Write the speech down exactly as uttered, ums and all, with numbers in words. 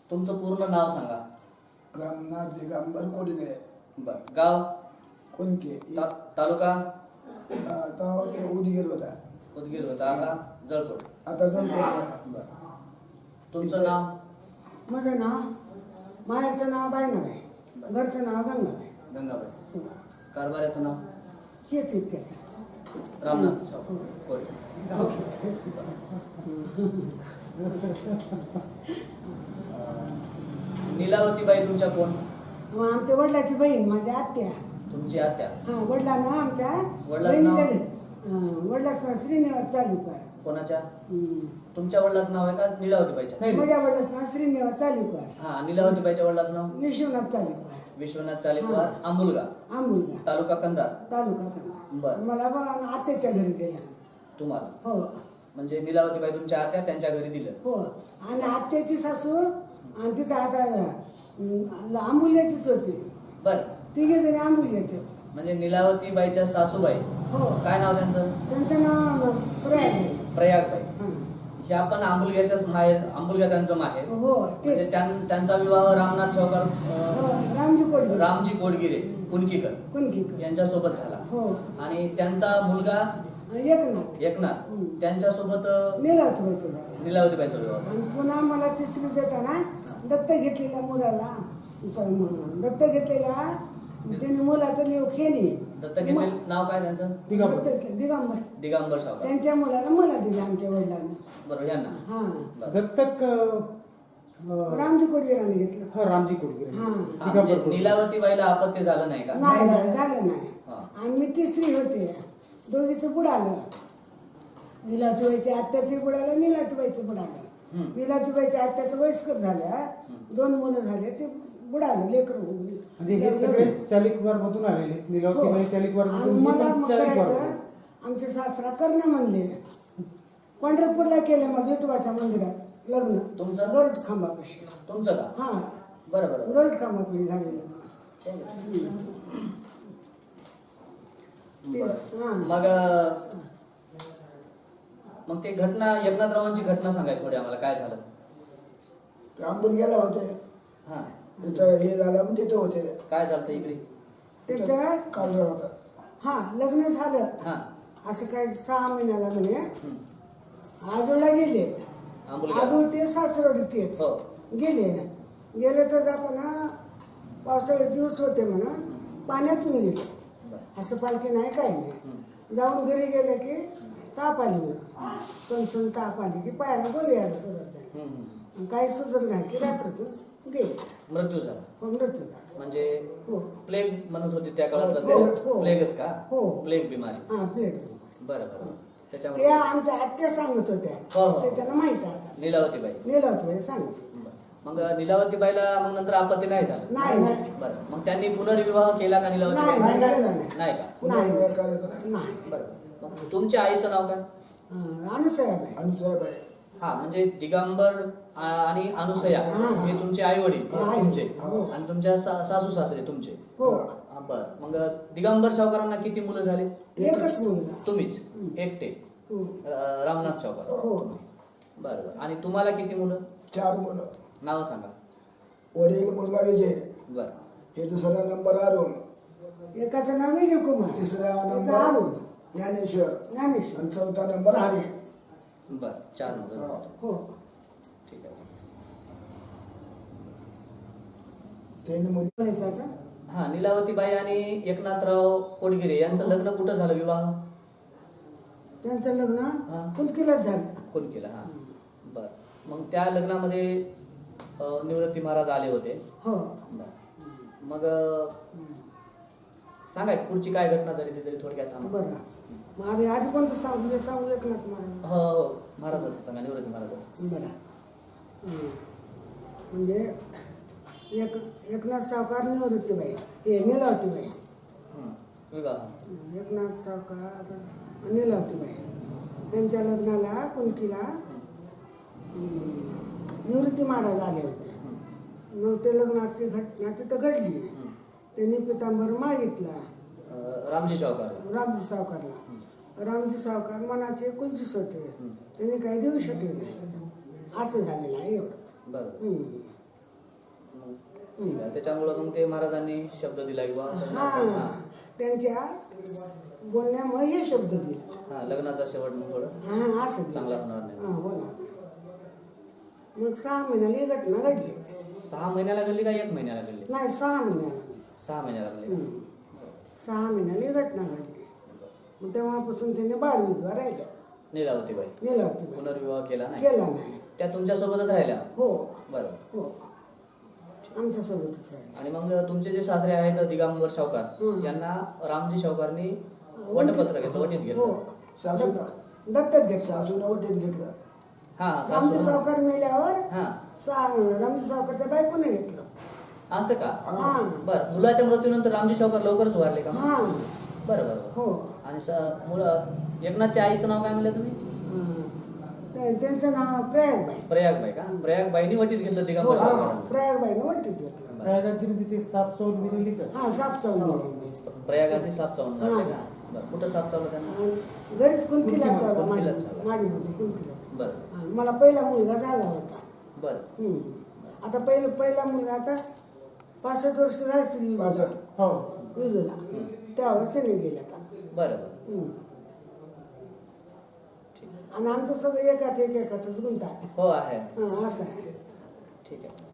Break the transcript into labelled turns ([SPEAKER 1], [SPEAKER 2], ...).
[SPEAKER 1] तुमचं पूर्ण नाव सांगा.
[SPEAKER 2] रामनाथ दिगंबर कोडगे.
[SPEAKER 1] बर. गाव
[SPEAKER 2] कोणके.
[SPEAKER 1] ता, तालुका
[SPEAKER 2] आता ते उदगीर होता.
[SPEAKER 1] उदगीर होता, आता जळकोट.
[SPEAKER 2] आता जमतो.
[SPEAKER 1] बर. तुमचं नाव?
[SPEAKER 3] माझं नाव मायाचं नाव बायनाबाई, घरचं नाव गंगाबाई.
[SPEAKER 1] गंगाबाई. कारभाऱ्याचं नाव?
[SPEAKER 3] हेच इतक्याचं
[SPEAKER 1] रामनाथ शाहू कोळी. नीलावतीबाई तुमच्या कोण?
[SPEAKER 3] मग आमच्या वडिलाची बहीण, माझी आत्या.
[SPEAKER 1] तुमची आत्या?
[SPEAKER 3] हा, वडिलांना आमच्या
[SPEAKER 1] वडिलांचं नाव?
[SPEAKER 3] बहिणीच्या घरी वडिलाचं नाव श्रीनिवास चालूकर.
[SPEAKER 1] कोणाच्या?
[SPEAKER 3] हम्म.
[SPEAKER 1] तुमच्या वडिलाचं नाव आहे का नीलावतीबाईच्या?
[SPEAKER 3] माझ्या वडिलाचं नाव श्रीनिवास चालूकर.
[SPEAKER 1] हा, नीलावतीबाईच्या वडिलाचं नाव?
[SPEAKER 3] विश्वनाथ चालूकर.
[SPEAKER 1] विश्वनाथ चालेकर. आंबुलगा,
[SPEAKER 3] आंबुलगा,
[SPEAKER 1] तालुका कंधार.
[SPEAKER 3] तालुका कंधार.
[SPEAKER 1] बर.
[SPEAKER 3] मला बा आत्याच्या घरी दिला.
[SPEAKER 1] तुम्हाला?
[SPEAKER 3] हो
[SPEAKER 1] म्हणजे नीलावतीबाई तुमच्या आत्या त्यांच्या घरी दिलं?
[SPEAKER 3] हो. आणि आत्याची सासू आणि तिथं आता अं, आंबुल्याचीच होती.
[SPEAKER 1] बर.
[SPEAKER 3] तिघे जणी आंबुल्याचेच.
[SPEAKER 1] म्हणजे नीलावतीबाईच्या सासूबाई,
[SPEAKER 3] हो.
[SPEAKER 1] काय नाव त्यांचं?
[SPEAKER 3] त्यांचं नाव प्रयाग.
[SPEAKER 1] प्रयागबाई.
[SPEAKER 3] हां.
[SPEAKER 1] ह्या पण आंबुलग्याच्याच माहेर, आंबुलगा त्यांचं माहेर.
[SPEAKER 3] हो
[SPEAKER 1] म्हणजे
[SPEAKER 3] तेच.
[SPEAKER 1] त्यां- त्यांचा विवाह रामनाथ शाहूकर
[SPEAKER 3] हो,
[SPEAKER 1] अं,
[SPEAKER 3] रामजी कोडगे.
[SPEAKER 1] रामजी कोडगिरे कुणकीकर
[SPEAKER 3] कुणकीकर.
[SPEAKER 1] यांच्यासोबत झाला.
[SPEAKER 3] हो.
[SPEAKER 1] आणि त्यांचा मुलगा
[SPEAKER 3] एकनाथ.
[SPEAKER 1] एकनाथ
[SPEAKER 3] हम्म.
[SPEAKER 1] त्यांच्यासोबत अं,
[SPEAKER 3] नीलावती व्हायचं झालं.
[SPEAKER 1] नीलावतीबाईचा विवाह.
[SPEAKER 3] आणि पुन्हा मला तिसरी देताना दत्त घेतलेल्या मुलाला sorry, म- दत्त घेतलेल्या त्याने मुलाचं नाव खेणी.
[SPEAKER 1] दत्तक घेतलेलं नाव काय त्यांचं?
[SPEAKER 3] दिगंबर. दिगंबर.
[SPEAKER 1] दिगंबर शाहूकर.
[SPEAKER 3] त्यांच्या मुलाला मला दिलं आमच्या वडिलांना.
[SPEAKER 1] बरोबर. यांना?
[SPEAKER 3] हा.
[SPEAKER 1] बरं.
[SPEAKER 4] दत्तक अं,
[SPEAKER 3] रामजी कोडगेराने घेतलं.
[SPEAKER 4] हा रामजी कोडगिरे.
[SPEAKER 3] हा.
[SPEAKER 1] हा, म्हणजे नीलावतीबाईला आपत्ती झालं नाही का?
[SPEAKER 3] नाही नाही, झालं नाही.
[SPEAKER 1] हा.
[SPEAKER 3] आणि मी तिसरी होते. दोघीचं बुडालं. निलातुबाईच्या आत्याचं बुडालं, निलातुबाईचं बुडालं.
[SPEAKER 1] हम्म.
[SPEAKER 3] निलातुबाईच्या आत्याचं वयस्कर झालं. दोन मुलं झाले, ते बुडालं लेकर.
[SPEAKER 4] म्हणजे हे सगळे चालिकवार मधून आलेले. नीलावतीबाई चालिकवार
[SPEAKER 3] आणि
[SPEAKER 4] मधून,
[SPEAKER 3] मला
[SPEAKER 4] हे पण
[SPEAKER 3] मग
[SPEAKER 4] चालिकवार
[SPEAKER 3] करायचं,
[SPEAKER 4] मधून.
[SPEAKER 3] आमचे सासरा करणं म्हणले. पंढरपूरला केलं मग विठोबाच्या मंदिरात लग्न.
[SPEAKER 1] तुमचं?
[SPEAKER 3] गरुड खांबापाशी.
[SPEAKER 1] तुमचं का?
[SPEAKER 3] हा,
[SPEAKER 1] बरं बरं.
[SPEAKER 3] गरुड खांबापाशी झालेलं.
[SPEAKER 1] बरं.
[SPEAKER 3] हा.
[SPEAKER 1] मग अं, मग ते घटना, एकनाथरावांची घटना सांगाय थोडी आम्हाला, काय झालं?
[SPEAKER 2] ते आंबून गेला होते.
[SPEAKER 1] हा,
[SPEAKER 2] तिथं हे झालं मग तिथं होते.
[SPEAKER 1] काय झालं इकडे?
[SPEAKER 3] त्याच्या
[SPEAKER 2] काल होता.
[SPEAKER 3] हा लग्न झालं.
[SPEAKER 1] हा.
[SPEAKER 3] असं काय सहा महिन्याला म्हणे
[SPEAKER 1] हम्म.
[SPEAKER 3] आजोळला गेले.
[SPEAKER 1] आंबुलगा.
[SPEAKER 3] आजोळ ते सासरवडी तेच
[SPEAKER 1] हो.
[SPEAKER 3] गेले. गेले तर जाताना पावसाळ्याचे दिवस होते म्हणा, पाण्यातून गेले.
[SPEAKER 1] बरं.
[SPEAKER 3] असं पालखी नाही काय नाही. जाऊन घरी गेले की ताप आली म्हणा, सणसण ताप आली की पायाला गोळी यायला सुरुवात झाली.
[SPEAKER 1] हम्म, हम्म.
[SPEAKER 3] आणि काही सुधर नाही की रात्रीतून गेले.
[SPEAKER 1] मृत्यू झाला.
[SPEAKER 3] हो, मृत्यू झाला.
[SPEAKER 1] म्हणजे
[SPEAKER 3] हो.
[SPEAKER 1] प्लेग म्हणत होती त्या काळातलं
[SPEAKER 3] हो,
[SPEAKER 1] ते?
[SPEAKER 3] हो.
[SPEAKER 1] प्लेगच का?
[SPEAKER 3] हो.
[SPEAKER 1] प्लेग बिमारी.
[SPEAKER 3] हा प्लेट.
[SPEAKER 1] बरं बरं.
[SPEAKER 3] ते
[SPEAKER 1] त्याच्यामध्ये
[SPEAKER 3] आमच्या आत्या सांगत होत्या.
[SPEAKER 1] हो, हो.
[SPEAKER 3] त्याच्यानं माहित आहे आता.
[SPEAKER 1] नीलावतीबाई.
[SPEAKER 3] नीलावती सांगत.
[SPEAKER 1] बरं. मग नीलावतीबाईला मग नंतर आपत्ती नाही झालं?
[SPEAKER 3] नाही नाही
[SPEAKER 1] बरं. मग त्यांनी पुनर्विवाह केला का नीलावतीबाई?
[SPEAKER 3] नाही,
[SPEAKER 2] नाही,
[SPEAKER 3] नाही,
[SPEAKER 2] नाही.
[SPEAKER 1] नाही का?
[SPEAKER 2] पुन्हा
[SPEAKER 3] नाही.
[SPEAKER 2] वेळ करायचा नाही.
[SPEAKER 3] नाही.
[SPEAKER 1] बरं. मग तुमच्या आईचं नाव काय?
[SPEAKER 3] अनुसाहेब आहे.
[SPEAKER 2] आणि साहेब आहे.
[SPEAKER 1] हा, म्हणजे दिगंबर आ- आणि अनुसया
[SPEAKER 3] हा.
[SPEAKER 1] हे तुमचे आई वडील
[SPEAKER 3] आई.
[SPEAKER 1] तुमचे,
[SPEAKER 3] हो.
[SPEAKER 1] आणि तुमच्या सा- सासू सासरे तुमचे.
[SPEAKER 3] हो.
[SPEAKER 1] हा, बरं. मग दिगंबर सावकारांना किती मुलं झाले?
[SPEAKER 3] एकच मुलगा.
[SPEAKER 1] तुम्हीच एकटे?
[SPEAKER 3] हो.
[SPEAKER 1] अं, रामनाथ सावकार.
[SPEAKER 3] हो.
[SPEAKER 1] बरं बरं. आणि तुम्हाला किती मुलं?
[SPEAKER 2] चार मुलं.
[SPEAKER 1] नाव सांगा.
[SPEAKER 2] वडील मुलगा विजय.
[SPEAKER 1] बरं.
[SPEAKER 2] हे दुसरा नंबर अरुण.
[SPEAKER 3] एकाचं नाव विजय कुमार.
[SPEAKER 2] तिसरा
[SPEAKER 3] त्याचं
[SPEAKER 2] नंबर
[SPEAKER 3] अरुण.
[SPEAKER 2] ज्ञानेश्वर.
[SPEAKER 3] ज्ञानेश्वर.
[SPEAKER 2] आणि चौथा नंबर हरी.
[SPEAKER 1] बरं. चार मुलं.
[SPEAKER 2] हा.
[SPEAKER 3] हो.
[SPEAKER 1] ठीक आहे.
[SPEAKER 2] त्यांनी मुली
[SPEAKER 3] पोलिसाचा.
[SPEAKER 1] हा, नीलावतीबाई आणि एकनाथराव कोडगिरे यांचं लग्न कुठं झालं, विवाह?
[SPEAKER 3] त्यांचं लग्न
[SPEAKER 1] हा.
[SPEAKER 3] कुलकीलाच झालं.
[SPEAKER 1] कोण केलं? हा. बरं. मग त्या लग्नामध्ये अं, निवृत्ती महाराज आले होते.
[SPEAKER 3] हो.
[SPEAKER 1] बरं. मग अं, सांगा पुढची काय घटना झाली ती तरी थोडक्यात थांबा.
[SPEAKER 3] बरं. मग आधी आधी कोणतं सांगू हे सांगू एकनाथ महाराज.
[SPEAKER 1] हो हो, महाराजाचं सांगा, निवृत्ती महाराजाचं.
[SPEAKER 3] बरं. हं. म्हणजे एक एकनाथ सावकार निवृत्तीबाई हे नीलावतीबाई.
[SPEAKER 1] हं. विवाह.
[SPEAKER 3] एकनाथ सावकार नीलावतीबाई त्यांच्या लग्नाला कुणकीला हं, निवृत्ती महाराज आले होते. मग ते लग्नाची घटना तिथं घडली. त्यांनी पितांबर मागितला
[SPEAKER 1] अं, रामजी सावकार.
[SPEAKER 3] रामजी सावकारला. रामजी सावकार मनाचे कुंजीस होते. त्यांनी काही देऊ शकले नाही. असं झालेलं आहे एवढं.
[SPEAKER 1] बरं.
[SPEAKER 3] हं.
[SPEAKER 1] मग ठीक आहे. त्याच्यामुळं मग ते महाराजांनी शब्द दिला किंवा
[SPEAKER 3] हा
[SPEAKER 1] लग्नाचा
[SPEAKER 3] त्यांच्या बोलण्यामुळे हे शब्द दिला.
[SPEAKER 1] हा लग्नाचा शेवट मग थोडं
[SPEAKER 3] हा असं दिलं.
[SPEAKER 1] चांगला होणार नाही.
[SPEAKER 3] हा हो ना. मग सहा महिन्याला ही घटना घडली.
[SPEAKER 1] सहा महिन्याला घडली का एक महिन्याला घडली?
[SPEAKER 3] नाही सहा महिन्याला.
[SPEAKER 1] सहा महिन्याला घडली.
[SPEAKER 3] हम्म. सहा महिन्याला ही घटना घडली. मग तेव्हापासून त्यांनी बालविधवा राहिल्या.
[SPEAKER 1] लीलावतीबाई
[SPEAKER 3] नीलावती
[SPEAKER 1] पुनर्विवाह केला नाही?
[SPEAKER 3] केला नाही.
[SPEAKER 1] त्या तुमच्यासोबतच राहिल्या?
[SPEAKER 3] हो
[SPEAKER 1] बरं.
[SPEAKER 3] हो आमच्या सोबतच राहिल्या.
[SPEAKER 1] आणि मग तुमचे जे सासरे आहेत दिगंबर सावकार
[SPEAKER 3] हं.
[SPEAKER 1] यांना रामजी सावकारनी वटपत्र घेतलं, वटीत
[SPEAKER 3] हो
[SPEAKER 1] घेतलं.
[SPEAKER 2] सासून
[SPEAKER 3] दत्तक घेतलं.
[SPEAKER 2] सासून वटीत घेतलं.
[SPEAKER 1] हा
[SPEAKER 3] रामजी
[SPEAKER 1] सासू
[SPEAKER 3] सावकार मेल्यावर
[SPEAKER 1] हा
[SPEAKER 3] सा- रामजी सावकारच्या बायकोने घेतलं.
[SPEAKER 1] असं का?
[SPEAKER 3] हा
[SPEAKER 1] बरं. मुलाच्या मृत्यूनंतर रामजी सावकार लवकरच वारले का?
[SPEAKER 3] हा
[SPEAKER 1] बरं बरं.
[SPEAKER 3] हो
[SPEAKER 1] आणि स- मुलं एकनाथच्या आईचं नाव काय म्हणलं तुम्ही?
[SPEAKER 3] हं. ते- त्यांचं नाव प्रयागबाई.
[SPEAKER 1] प्रयागबाई का? प्रयागबाईनी वटीत घेतलं
[SPEAKER 3] हो
[SPEAKER 1] दिगंबर
[SPEAKER 3] हा
[SPEAKER 1] सावकारांना.
[SPEAKER 3] प्रयागबाईनं वटीत घेतलं.
[SPEAKER 4] प्रयागाची म्हणजे ते साप चौल मिळाली का?
[SPEAKER 3] हा साप चावलं.
[SPEAKER 1] प्रयागाचे साप चावून
[SPEAKER 3] हा.
[SPEAKER 1] मारले का? बरं. कुठं साप चावलं त्यांना?
[SPEAKER 3] घरीच कुंकीला चावला
[SPEAKER 1] कुंकीलाच चावला.
[SPEAKER 3] माडीमध्ये कुंकीला.
[SPEAKER 1] बरं
[SPEAKER 3] हा, मला पहिला मुलगा झाला होता.
[SPEAKER 1] बरं.
[SPEAKER 3] हम्म. आता पहिलं पहिला मुलगा आता पासष्ट वर्ष झाली असतील
[SPEAKER 2] पासष्ट.
[SPEAKER 4] हो
[SPEAKER 3] विजूला त्यावेळेस त्याने गेला आता.
[SPEAKER 1] बरं बरं.
[SPEAKER 3] हम्म.
[SPEAKER 1] ठीक
[SPEAKER 3] आणि आमचं सगळं एकात एक एकातच गुंता आहे.
[SPEAKER 1] हो आहे.
[SPEAKER 3] हा, असं आहे.
[SPEAKER 1] ठीक आहे.